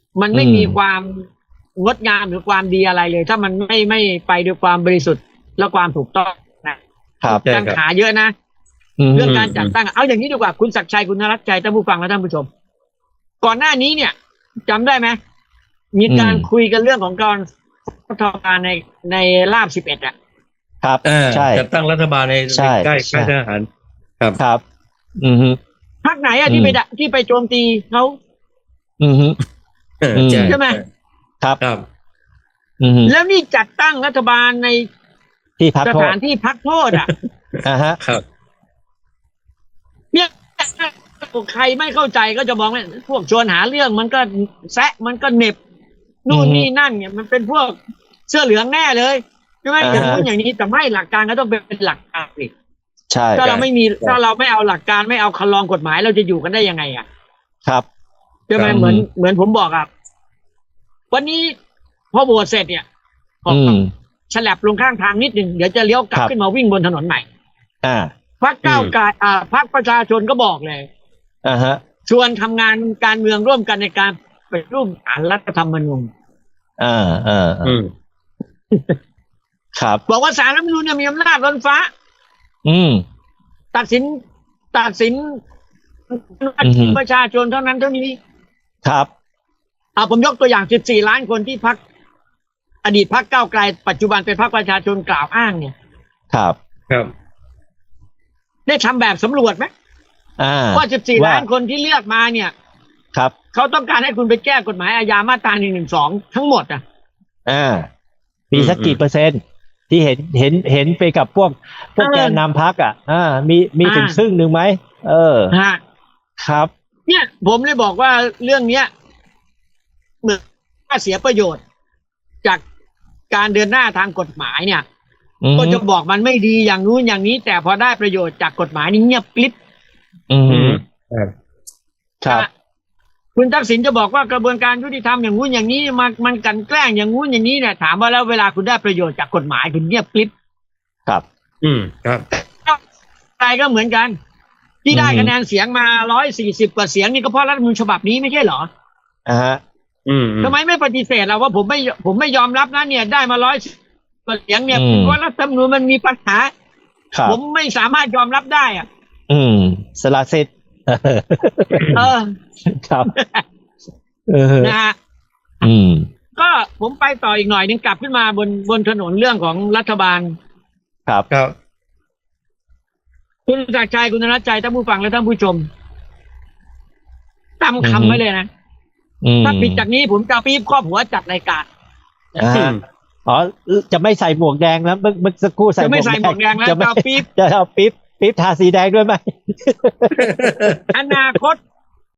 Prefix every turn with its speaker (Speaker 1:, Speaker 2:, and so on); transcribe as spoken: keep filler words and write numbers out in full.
Speaker 1: มันไม่มีความงดงามหรือความดีอะไรเลยถ้ามันไม่ไม่ไปด้วยความบริสุทธิ์และความถูกต้องนะครับตั้งขาเยอะนะเรื่องการจัดตั้งเอาอย่างนี้ดีกว่าคุณศักดิ์ชัยคุณนรัตน์ชัยท่านผู้ฟังและท่านผู้ชมก่อนหน้านี้เนี่ยจำได้ไหมมีการคุยกันเรื่องของการรัฐบาลในในราบสิบเอ็ดอ่ะ
Speaker 2: ครับใช่
Speaker 3: จัดตั้งรัฐบาลในใกล้ใกล้ทหารครับ
Speaker 2: ครับอือฮึ
Speaker 1: พรรคไหนอ่ะที่ไปที่ไปโจมตีเขา
Speaker 2: อือฮึ
Speaker 1: ใช่ไหม
Speaker 2: ครับ
Speaker 3: ครับ
Speaker 1: แล้วนี่จัดตั้งรัฐบาลใน
Speaker 2: ที่พักโทษ
Speaker 1: สถานที่พักโทษอ่ะ
Speaker 2: อ่าฮะ
Speaker 3: ครับ
Speaker 1: เนี่ยใครไม่เข้าใจก็จะมองว่าพวกชวนหาเรื่องมันก็แซะมันก็เหน็บนู่นนี่นั่นเนี่ยมันเป็นพวกเสื้อเหลืองแน่เลยใช่ไหมอย่างนู้นอย่างนี้แต่ไม่หลักการก็ต้องเป็นหลักการสิ
Speaker 2: ใช่
Speaker 1: ถ้าเราไม่มีถ้าเราไม่เอาหลักการไม่เอาคันลองกฎหมายเราจะอยู่กันได้ยังไงอ่ะ
Speaker 2: ครับ
Speaker 1: ใช่ไหมเหมือนเหมือนผมบอกอ่ะวันนี้พอโหวตเสร็จเนี่ยฉลับลงข้างทางนิดหนึ่งเดี๋ยวจะเลี้ยวกลับขึ้นมาวิ่งบนถนนใหม่
Speaker 2: อ่า
Speaker 1: พรรคก้าวไกลอ่าพรรคประชาชนก็บอกเลย
Speaker 2: อ่าฮะ
Speaker 1: ชวนทำงานการเมืองร่วมกันในการไปร่วมอ่านรัฐธรรมนูญ
Speaker 2: อ่าอ่าอืมครับ
Speaker 1: บอกว่าศาลรัฐธรรมนูญเนี่ยมีอำนาจล้นฟ้า
Speaker 2: อืม
Speaker 1: ตัดสินตัดสินประชาชนเท่านั้นเท่านี้
Speaker 2: ครับ
Speaker 1: อ่าผมยกตัวอย่างสิบสี่ล้านคนที่พรรคอดีตพรรคก้าวไกลปัจจุบันเป็นพรรคประชาชนกล่าวอ้างเนี่ย
Speaker 2: ครับ
Speaker 3: ครับ
Speaker 1: ได้ทำแบบสำรวจไหมว่าสิบสี่ล้านคนที่เลือกมาเนี่ย
Speaker 2: ครับ
Speaker 1: เขาต้องการให้คุณไปแก้กฎหมายอาญามาตราหนึ่งหนึ่งสองทั้งหมดอ่ะ
Speaker 2: อ่ามีสักกี่เปอร์เซ็นต์ที่เห็นเห็นเห็นไปกับพวกพวกแกนนำพรรคอ่ะอ่ามีมีถึงครึ่งหนึ่งไหมเออ
Speaker 1: ฮะ
Speaker 2: ครับ
Speaker 1: เนี่ยผมเลยบอกว่าเรื่องเนี้ยเหมือนว่าเสียประโยชน์จากการเดินหน้าทางกฎหมายเนี่ยก็จะบอกมันไม่ดีอย่างนู้นอย่างนี้แต่พอได้ประโยชน์จากกฎหมายนี่เงียบกริบ
Speaker 2: อืมครับ
Speaker 1: คุณทักษิณจะบอกว่ากระบวนการยุติธรรมอย่างนู้นอย่างนี้มันมันกันแกล้งอย่างนู้นอย่างนี้เนี่ยถามว่าแล้วเวลาคุณได้ประโยชน์จากกฎหมายคุณเงียบกริบ
Speaker 2: ครับ
Speaker 3: อืมครับ
Speaker 1: ใครก็เหมือนกันที่ได้คะแนนเสียงมาร้อยสี่สิบกว่าเสียงนี่ก็เพราะรัฐธรรมนูญฉบับนี้ไม่ใช่เหรอ
Speaker 2: อ่าฮะ
Speaker 3: อืม
Speaker 1: ทำไมไม่ปฏิเสธเราว่าผมไม่ผมไม่ยอมรับนะเนี่ยได้มาร้อยกว่าเสียงเนี่ยเพราะรัฐธรรมนูญมันมีปัญหาผมไม่สามารถยอมรับได้อ่ะ
Speaker 2: อืมสละสิทธิ์
Speaker 1: เออ
Speaker 2: ครับเออ
Speaker 1: นะฮะ
Speaker 2: อืม
Speaker 1: ก็ผมไปต่ออีกหน่อยนึงกลับขึ้นมาบนบนถนนเรื่องของรัฐบาล
Speaker 2: ครับ
Speaker 3: ครับ
Speaker 1: คุณศักดิ์ชัยคุณนรัตน์ชัยท่านผู้ฟังและท่านผู้ชมจำคำไว้เลยนะถ้าผิดจากนี้ผมจะปี๊บครอบหัวจัดรายการ
Speaker 2: อ๋อจะไม่ใส่หมวกแดงแล้วเมื่อสักครู่ใส่
Speaker 1: จะไม่ใส่หมวกแดงแล้วจะปี๊บ
Speaker 2: จะเอาปี๊บปี๊บทาสีแดงด้วยไหม
Speaker 1: อนาคต